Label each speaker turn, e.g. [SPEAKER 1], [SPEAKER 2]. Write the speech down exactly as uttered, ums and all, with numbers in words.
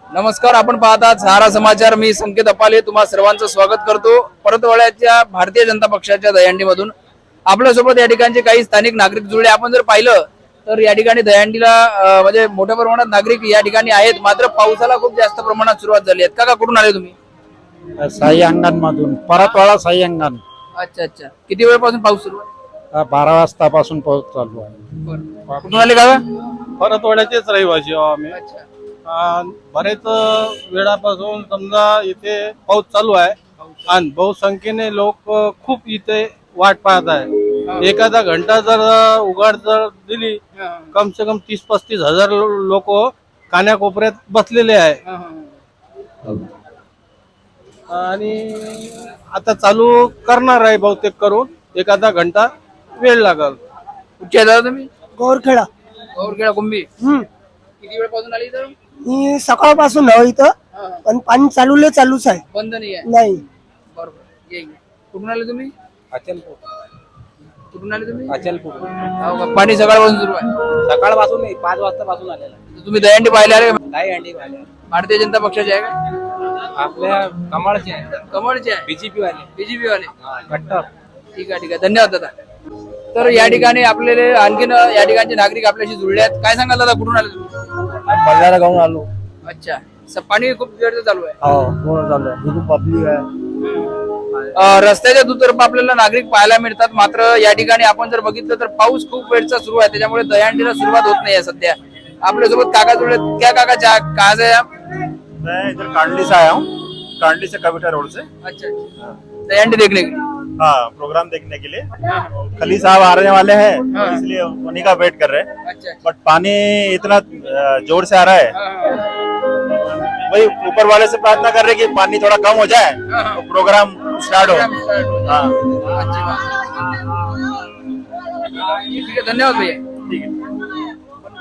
[SPEAKER 1] नमस्कार, आपण पाहतात सहारा समाचार. मी संकेत अपाले तुम्हा सर्वांचं स्वागत करतो. परतवाड्याच्या भारतीय जनता पक्षाच्या दहीहंडीमधून आपल्यासोबत या ठिकाणचे काही स्थानिक नागरिक जुळले. आपण जर पाहिलं तर या ठिकाणी दहीहंडीला अं, म्हणजे मोठ्या प्रमाणात नागरिक या ठिकाणी आहेत. मात्र पावसाला खूप जास्त प्रमाणात सुरुवात झाली आहे. काका कुठून आले तुम्ही?
[SPEAKER 2] साई अंगण मधून, परतवाडा साई अंगण.
[SPEAKER 1] अच्छा अच्छा. किती वेळपासून पाऊस सुरू आहे?
[SPEAKER 2] बारा वाजतापासून पाऊस चालू आहे.
[SPEAKER 1] बरं. कुठून आले काका?
[SPEAKER 3] परतवाड्याचेच रहिवासी आहो आम्ही.
[SPEAKER 1] अच्छा.
[SPEAKER 3] आणि बरेच वेळापासून समजा इथे पाऊस चालू आहे आणि बहुसंख्येने लोक खूप इथे वाट पाहत आहे. एखादा घंटा जर उघड जर दिली कम से कम तीस पस्तीस हजार लोक कान्याकोपऱ्यात बसलेले आहे. आणि आता चालू करणार आहे बहुतेक करून एखादा घंटा वेळ लागल.
[SPEAKER 1] कुठचे दादा तुम्ही?
[SPEAKER 4] गौरखेडा.
[SPEAKER 1] गौरखेडा कुंभी.
[SPEAKER 4] हम्म
[SPEAKER 1] किती वेळपासून आली इथं?
[SPEAKER 4] मी सकाळपासून आहे इथं, पण पाणी चालूले चालूच आहे.
[SPEAKER 1] बंद नाही आहे.
[SPEAKER 4] नाही.
[SPEAKER 1] बरोबर. ये, ये. कुठून आले तुम्ही?
[SPEAKER 5] अचलपूर.
[SPEAKER 1] कुठून आले तुम्ही?
[SPEAKER 5] अचलपूर.
[SPEAKER 1] हो का? पाणी सकाळपासून सुरू आहे.
[SPEAKER 5] सकाळपासून नाही, पाच वाजतापासून आलेला आहे.
[SPEAKER 1] तुम्ही दहीहंडी पाहिले आले?
[SPEAKER 5] काही अंडी वाले
[SPEAKER 1] भारतीय जनता पक्षाचे आहे का?
[SPEAKER 5] आपल्या कमळचे आहे,
[SPEAKER 1] कमळचे आहे.
[SPEAKER 5] बीजेपी वाले
[SPEAKER 1] बीजेपी वाले.
[SPEAKER 5] कट्टर.
[SPEAKER 1] ठीक आहे ठीक आहे. धन्यवाद दादा. तर या ठिकाणी आपल्याला आणखीन या ठिकाणचे नागरिक आपल्याशी जुळले आहेत. काय सांगाल दादा, कुठून आले तुम्ही?
[SPEAKER 2] बंजारा गावून आलो.
[SPEAKER 1] अच्छा. स- पाणी खूप वेळचं चालू आहे.
[SPEAKER 2] हो, पूर्ण चालू आहे. खूप पब्लिक आहे.
[SPEAKER 1] अं, रस्त्याच्या दुतर्फा आपल्याला नागरिक पाहायला मिळतात. मात्र या ठिकाणी आपण जर बघितलं तर पाऊस खूप वेळचा सुरू आहे. त्याच्यामुळे दहीहंडीला सुरुवात होत नाही सध्या. आपल्यासोबत काका जुळले. क्या काका चा- कहाँ से आप?
[SPEAKER 6] मैं इधर कांडली से आया हूँ, कांडली से कविता रोड से।
[SPEAKER 1] अच्छा अच्छा. दहीहंडी देखने के लिए.
[SPEAKER 6] हाँ, प्रोग्राम देखने के लिए खली साहब आने वाले हैं, तो इसलिए उन्हीं का वेट कर रहे हैं।
[SPEAKER 1] अच्छा अच्छा.
[SPEAKER 6] बट पानी इतना अ, जोर से आ रहा है,
[SPEAKER 1] हाँ, हाँ.
[SPEAKER 6] वही ऊपर वाले से प्रार्थना कर रहे हैं कि पानी थोड़ा कम हो जाए तो प्रोग्राम स्टार्ट हो। हाँ,
[SPEAKER 1] अच्छी बात. ठीक है, धन्यवाद भैया.
[SPEAKER 6] ठीक है।